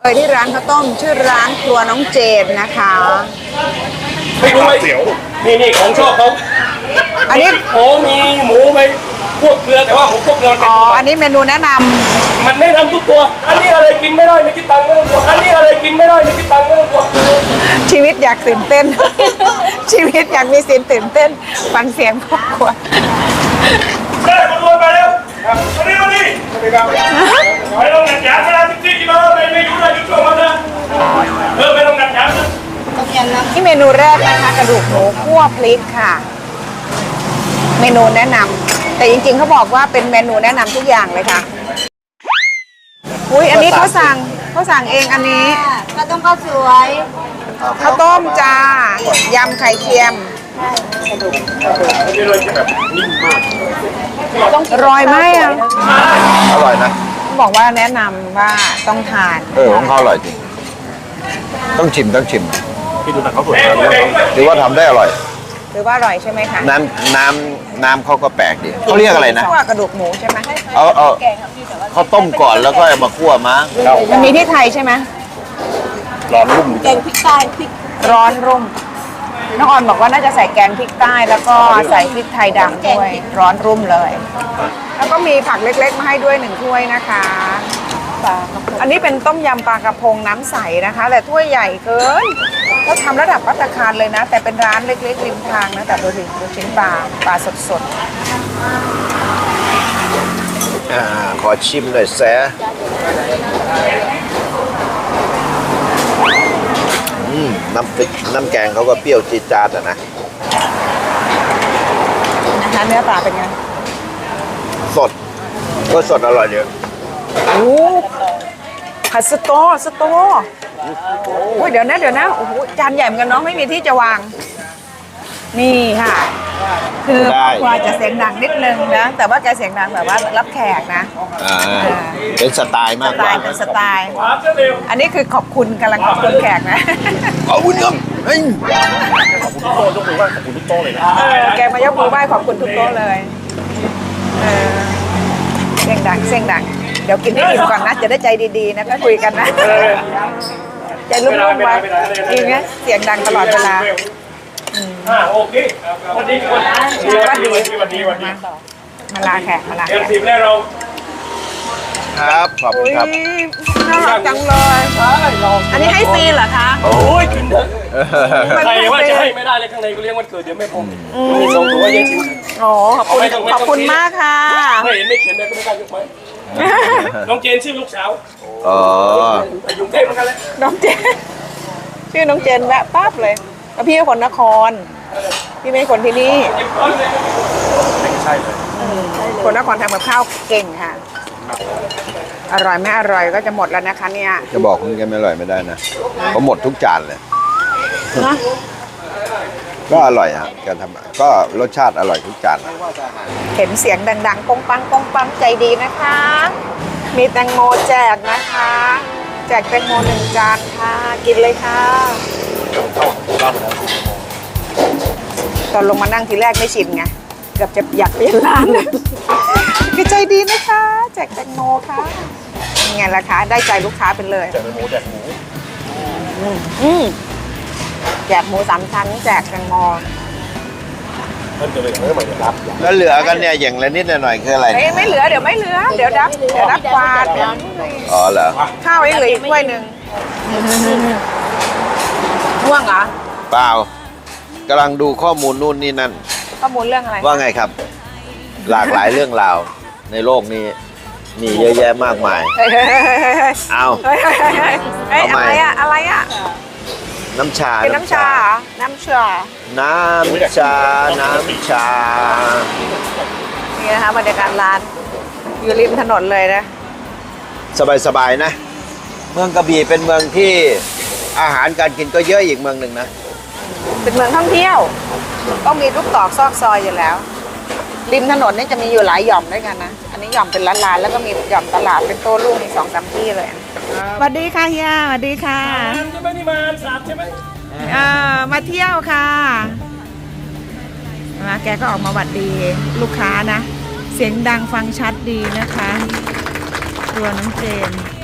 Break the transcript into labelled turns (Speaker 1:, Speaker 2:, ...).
Speaker 1: ไปที่ร้านข้าวต้มชื่อร้านครัวน้องเจนนะคะ
Speaker 2: ไม่รู้เสียวนี่ของชอบเขา
Speaker 1: อันนี้
Speaker 2: โอ้มีหมูไหมพวกเกลือแต่ว่าผมพวกเกลือ
Speaker 1: อ๋ออันนี้เมนูแนะนำ
Speaker 2: มันไม่ทำทุกตัวอันนี้อะไรกินไม่ได้ไม่คิดตังค์ไม่ต้องกลัวอันนี้อะไรกินไม่ได้ไม่คิดตังค์ไม่ต้องกลัว
Speaker 1: ชีวิตอยากตื่นเต้น ชีวิตอยากมีสิ่งตื่นเต้นฟังเสียงครอบครัว
Speaker 2: ได้มาด้วยมาแล้วมาดิไม่ต้องหนักหนาขนาดที่กี่มาไม่ยุ่งอะไรยุ่งมาเลยไม่ต้องหนักหนา
Speaker 1: ที่เมนูแรกนะคะกระดูกหมูคั่วพริกค่ะเมนูแนะนำแต่จริงๆเขาบอกว่าเป็นเมนูแนะนำทุกอย่างเลยค่ะอุ้ยอันนี้เขาสั่งเองอันนี้
Speaker 3: ข้าวต้มข้าวสวย
Speaker 1: ข้าวต้มจ้ายำไข่เค็มรอยไหมอ่ะ
Speaker 4: อร่อยนะ
Speaker 1: บอกว่าแนะนำว่าต้องทาน
Speaker 4: ของเขาอร่อยจริงต้องชิม
Speaker 2: พี่ดูหนังเขาสวย
Speaker 4: หรือว่าทำได้อร่อย
Speaker 1: หรือว่าอร่อยใช่ไหมคะ
Speaker 4: น้ำเขาก็แปลกดีเขาเรียกอะไรนะ
Speaker 1: คั่วกระดูกหมูใช่ไหม
Speaker 4: เขาต้มก่อนแล้วก็มาคั่วมั้ง
Speaker 1: มันมีที่ไทยใช่ไหม
Speaker 4: ร้อนรุ่ม
Speaker 3: แกงพริกใต้พริก
Speaker 1: ร้อนรุ่มน้องออนบอกว่าน่าจะใส่แกงพริกใต้แล้วก็ใส่พริกไทยดำด้วยร้อนรุ่มเลยแล้วก็มีผักเล็กๆมาให้ด้วย1ถ้วยนะคะอันนี้เป็นต้มยำปลากระพงน้ำใสนะคะแต่ถ้วยใหญ่เกินก็ทำระดับภัตตาคารเลยนะแต่เป็นร้านเล็กๆริมทางนะแต่ดูดิลูกชิ้นปลาสด
Speaker 4: ขอชิมหน่อยแซะน้ำแกงเขาก็เปรี้ยวจี๊ดจ๊าดนะ
Speaker 1: นะคะเนื้อปลาเป็นไง
Speaker 4: สดก็สดอร่อยเยอะ
Speaker 1: โอ้ผัดสตอโอ้ยเดี๋ยวนะโอ้โหจานใหญ่เหมือนกันเนาะไม่มีที่จะวางนี่ค่ะคือควาจะเสียงดังนิดนึงนะแต่ว่าแกเสียงดังแบบว่ารับแขกนะ
Speaker 4: เป็นสไตล์มากกว่า
Speaker 1: เป็นสไตล์อันนี้คือขอบคุณกำลังขอบคุณแขกนะ
Speaker 4: ขอบคุณครับเฮ้ย
Speaker 2: ขอบคุณทุกโต๊ะยกมือไหว้ขอบคุณทุกโต๊ะเลยนะ
Speaker 1: แกมายกมือไหว้ขอบคุณทุกโต๊ะเลยเสียงดังเดี๋ยวกินให้อิ่มก่อนนะจะได้ใจดีๆนะก็คุยกันนะใจรุ่มๆไว้จริงไหมเสียงดังตลอดเวลา
Speaker 2: โอเควันนี้
Speaker 1: มาลาแขก
Speaker 2: ทีมแรกเรา
Speaker 4: ครับขอบคุณครับ
Speaker 1: น่ารักจังเลยอันนี้ให้ฟรีเหรอคะ
Speaker 2: โอ้ยกินเถอะใครว่าจะให้ไม่ได้เลยข้างในกูเลี้ยงวันเกิดเดี๋ยวไม่พอมี2ตัวแย่ชิม
Speaker 1: โอ้ขอบคุณมากค่ะ
Speaker 2: ไม่เห็นไม่เขียนเลยก็ไม่กล้ายกไม้น้องเจนชื่อลูกสาวอยู่เทพเหมือนกันเลย
Speaker 1: น้องเจนชื่อน้องเจนแวะปั๊บเลยแล้วพี่เป็นคนนครพี่ไม่ใช่คนที่นี่
Speaker 2: ใช่เลย
Speaker 1: คนนครทำกับข้าวเก่งค่ะอร่อยไม่อร่อยก็จะหมดแล้วนะคะเนี่ย
Speaker 4: จะบอกคุณแกไม่อร่อยไม่ได้นะเพราะหมดทุกจานเลยก็อร่อยครับแกทำก็รสชาติอร่อยทุกจาน
Speaker 1: เห็นเสียงดังๆปงปังใจดีนะคะมีแตงโมแจกนะคะแจกแตงโม1 จานค่ะกินเลยค่ะตอนลงมานั่งทีแรกไม่ชินไงเกือบจะอยากเปลี่ยนร้านเลยใจดีนะคะแจกแตงโมค่ะยังไงล่ะคะได้ใจลูกค้าเป็นเลย
Speaker 2: แจกหมูแจก
Speaker 1: หมู3 ชั้นแจกแตงโม
Speaker 4: แล้วเหลือกันเนี่ยอย่างละนิดหน่อยคืออะไร
Speaker 1: ไม่เหลือเดี๋ยวไม่เหลือเดี๋ยวรับกวาด
Speaker 4: อ๋อเหรอ
Speaker 1: ข้าวยังเหลืออีกถ้วยนึงง่วงเหรอ
Speaker 4: เปล่ากำลังดูข้อมูลนู่นนี่นั่น
Speaker 1: ข้อมูลเรื่องอะไร
Speaker 4: ว่าไงครับหลากหลายเรื่องราวในโลกนี้มีเยอะแยะมากมายเอา
Speaker 1: อะไรอะ
Speaker 4: น้ำชา
Speaker 1: เป็นน้ำชานี่นะคะบรรยากาศร้านอยู่ริมถนนเลยนะ
Speaker 4: สบายนะเมืองกระบี่เป็นเมืองที่อาหารการกินก็เยอะอีกเมืองหนึ่งนะ
Speaker 1: เป็นเมืองท่องเที่ยวต้องมีทุกตอกซอกซอยอยู่แล้วริมถนนนี่จะมีอยู่หลายหย่อมด้วยกันนะอันนี้หย่อมเป็นร้านแล้วก็มีหย่อมตลาดเป็นโต้รุ่งอีก2-3 ที่เลยสวัสดีค่ะเฮียสวัสดีค่ะ
Speaker 2: ใช่ไหมนี่มาสาบใช่ไหม
Speaker 1: มาเที่ยวค่ะแกก็ออกมาหวัดดีลูกค้านะเสียงดังฟังชัดดีนะคะตัวน้องเจน